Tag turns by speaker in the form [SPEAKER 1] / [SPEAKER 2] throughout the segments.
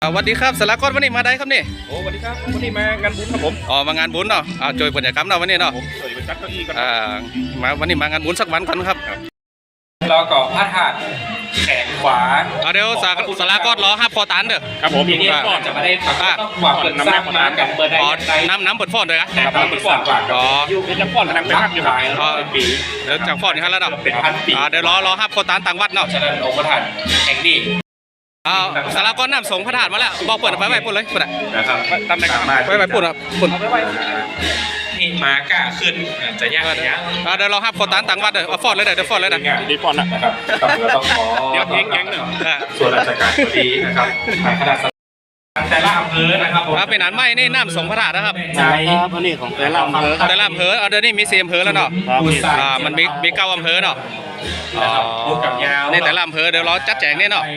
[SPEAKER 1] สวัสดีครับสารกอดวันนี้มาได้ครับนี่
[SPEAKER 2] โอ้สวัสดีครับวันนี้มางานบุญครับผม
[SPEAKER 1] อ๋อมางานบุญเนาะจอยบรรยากาศเนาะวันนี้เนาะ
[SPEAKER 2] ผมสวยไปจัดเก้าอี้กัน
[SPEAKER 1] มาวันนี้มางานบุญสักวันกันครับ
[SPEAKER 3] รอก่อพระธาตุแขนขวา
[SPEAKER 1] เดี๋ยวสารกอดรอห้าพอตันเด้อ
[SPEAKER 2] ครับผม
[SPEAKER 3] ทีนี้ก่อนจะมาได้ปักต้องหวังเปิดสร้างมากับเปิดได้
[SPEAKER 1] น้ำเปิดฟอนเลยครับ
[SPEAKER 3] น้ำเปิดฟอน
[SPEAKER 1] อ๋อ
[SPEAKER 2] เป็นจังฟอนกำลังเป็นภาพอยู่
[SPEAKER 3] เป็นปี
[SPEAKER 1] เดี๋ยวจากฟอนนี่ครับแล้วเนาะ
[SPEAKER 3] เป็นพันปี
[SPEAKER 1] เดี๋ยวรอห้าพอตันต่างวัดเนาะ
[SPEAKER 3] ฉะนั้นองค์พระธาตุแห่งนี้
[SPEAKER 1] สารกอดน้ำสงพระธาตุมาแล้วบอกเปิดไปปุ่นเลยปุ่น
[SPEAKER 3] นะครับ
[SPEAKER 2] ตามในกรรม
[SPEAKER 1] ไปปุ่นครับปุ่น
[SPEAKER 3] นี่มากล้าขึ้นจะยากเ
[SPEAKER 1] ดี๋ยวเราห้าพอตันต่างวัดเด้อฟอนเลยเดี๋ยวฟอนเลยนะ
[SPEAKER 2] ดีฟอน
[SPEAKER 3] นะครับต้องขอ
[SPEAKER 2] เดี๋ยวแก๊งเนาะ
[SPEAKER 3] ส่วนราชการพอดีนะครับขนาดแต่ละอำเภอนะครับ
[SPEAKER 1] เป็นอันไม่นี่น้ำสงพระธาตุนะครับ
[SPEAKER 4] ใช่ครับอันนี้ของแต่ละอำเภอ
[SPEAKER 1] แต่ละอำเภอเดี๋ยวนี้มี4อำเภอแล้วเนาะมันมี9อำเภอเนาะนี่แต่ละอำเภอเดี๋ยวเราจัดแจงนี่เนาะ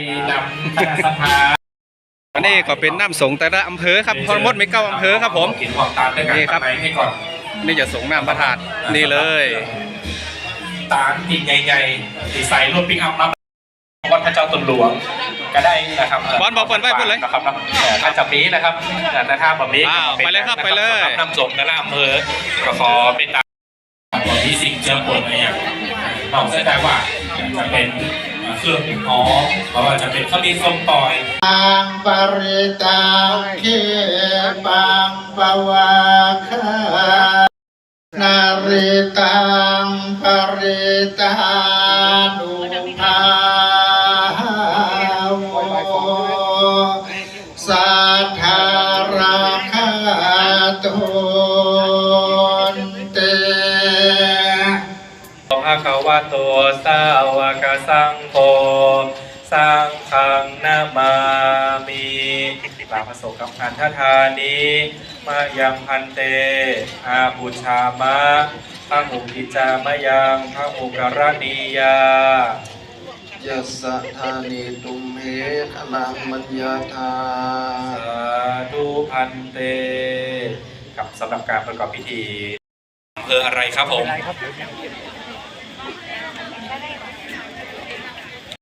[SPEAKER 1] อันนี้ก็เป็นน้ำสงแต่ละอำเภอครับพอมดมี9อำเภอครับผมนี่ครับนี่จะสงน้ำพระธาตุนี่เลย
[SPEAKER 3] ตาลติดใหญ่ๆติดใส่รถปิกอัพมาวัดพระเจ้าตนหลวงก็ได้นะครับ
[SPEAKER 1] บอลบอกเปิดไว้พูดเลย
[SPEAKER 3] นะครับถ้าจับนี้นะครับแต่ถ้าแบบนี้
[SPEAKER 1] ไปเลยครับไปเลย
[SPEAKER 3] น้ำสงแต่ละอำเภอก็ขอเป็นตามวันที่สิ่งเจอปวดอะไรอย่างนอกจากว่าจะเป็นเครื่องหอมเพราะว่าจะเป็นข้าวดีส้มปล่อย
[SPEAKER 4] ปังปริตาเขปังปวาคานาริตังปริตานุภาโวสัทธาราคาตุนเต
[SPEAKER 3] ภะคะวะโตสาวกสังโฆสังฆังนามามิลาภโสกับอันทธานิมายังพันเตอาบูชามะพระอุกิจามะยังพระอุกรณียา
[SPEAKER 4] ยัสสะธานิตุมเหขลังมัญญาธา
[SPEAKER 3] สาธุพันเตกับสำหรับการประกอบพิธีอำเภออะไรครับผม